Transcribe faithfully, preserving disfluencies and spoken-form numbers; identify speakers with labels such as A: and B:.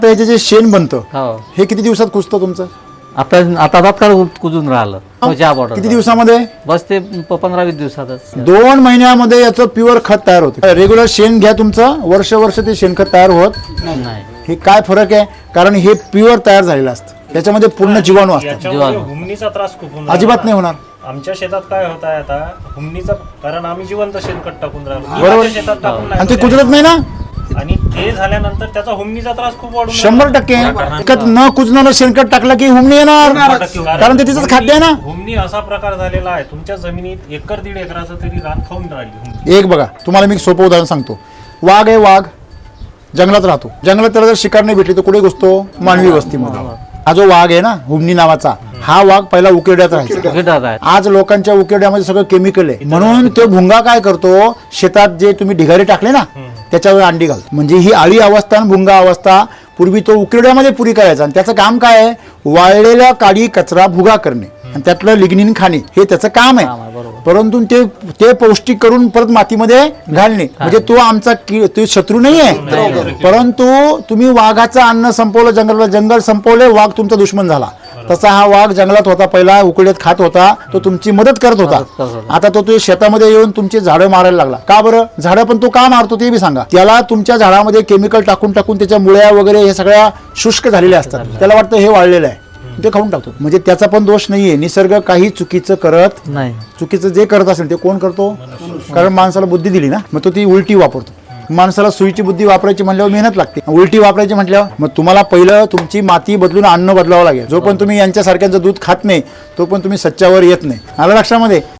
A: याचे जे शेण बनतं
B: हो
A: हे किती दिवसात कुजतं तुमचं?
B: आता आता तात्काळ कुजून राहिलं तो चहा बॉटल
A: किती दिवसामध्ये?
B: बस ते प- पंधरा वीस दिवसातच
A: दोन महिन्यामध्ये याचं प्युअर खत तयार होतं. रेग्युलर शेण घ्या तुमचं, वर्ष वर्ष ते शेणखत तयार होत
B: नाही.
A: हे काय फरक आहे? कारण हे प्युअर तयार झालेलं असतं, त्याच्यामध्ये पूर्ण जीवाणू असतात.
C: याच्यामुळे हुमणीचा त्रास खूप होऊन
A: अजिबात
C: राहिला.
A: नाही होणार.
C: आमच्या शेतात काय होत आहे आता हुमणीचा, कारण आम्ही जिवंत शेणखत टाकून राहिलो
A: बरोबर.
C: माझ्या शेतात टाकून नाही
A: आणि ते
C: होत आहे.
A: कुजरत नाही ना.
C: आणि ते झाल्यानंतर त्याचा हुमणीचा त्रास खूप वाढून
A: शंभर टक्के खत न कुजणारं शेणखत टाकलं की हुमणी येणार, कारण ते तिचंच खाद्य आहे ना.
C: हुमणी असा प्रकार झालेला आहे तुमच्या जमिनीत एकर दीड एकराचं तरी रान खाऊन राहिली हुमणी.
A: एक बघा, तुम्हाला मी एक सोपं उदाहरण सांगतो. वाघ आहे, वाघ जंगलात राहतो. जंगलात त्याला जर शिकार नाही भेटली तर कुठे घुसतो? मानवी वस्तीमध्ये. हा जो वाघ आहे ना हुमणी नावाचा, हा वाघ पहिला उकिरड्यात राहायचा.
B: उकिरड्यात आहे.
A: आज लोकांच्या उकिरड्यामध्ये सगळं केमिकल आहे, म्हणून तो भुंगा काय करतो, शेतात जे तुम्ही ढिगारे टाकले ना त्याच्यावर अंडी घालतो. म्हणजे ही आळी अवस्था आणि भुंगा अवस्था पूर्वी तो उकिरड्यामध्ये पुरी करायचा. आणि त्याचं काम काय आहे? वाळलेल्या काडी कचरा भुगा करणे आणि त्यातलं लिग्निन खाणे, हे त्याचं काम आहे.
B: काम आहे, बरोबर.
A: परंतु ते ते पौष्टिक करून परत मातीमध्ये घालणे, म्हणजे तो आमचा की- तो शत्रू नाही आहे. परंतु तुम्ही वाघाचं अन्न संपवलं, जंगल जंगल संपवले, वाघ तुमचा दुश्मन झाला. तसा हा वाघ जंगलात होता, पहिला उकळीत खात होता, तो तुमची मदत करत
B: मदत करत
A: होता.
B: होता.
A: आता तो तो शेतामध्ये येऊन तुमची झाडं मारायला लागला. का बरं? झाडं पण तो का मारतो ते बी सांगा. त्याला तुमच्या झाडामध्ये केमिकल टाकून टाकून त्याच्या मुळ्या वगैरे हे सगळ्या शुष्क झालेल्या असतात. त्याला वाटतं हे वाळलेलं आहे, ते खाऊन टाकतो. म्हणजे त्याचा पण दोष नाहीये. निसर्ग काही चुकीचं करत
B: नाही.
A: चुकीचं जे करत असेल ते कोण करतो? कारण माणसाला बुद्धी दिली ना, मग तो ती उलटी वापरतो. माणसाला सुईची बुद्धी वापरायची म्हटल्यावर मेहनत लागते, उलटी वापरायची म्हटल्यावर मग तुम्हाला पहिलं तुमची माती बदलून अन्न बदलावं लागेल. जो पण तुम्ही यांच्यासारख्यांचं दूध खात नाही तो पण तुम्ही सच्च्यावर येत नाही. आलं लक्षामध्ये?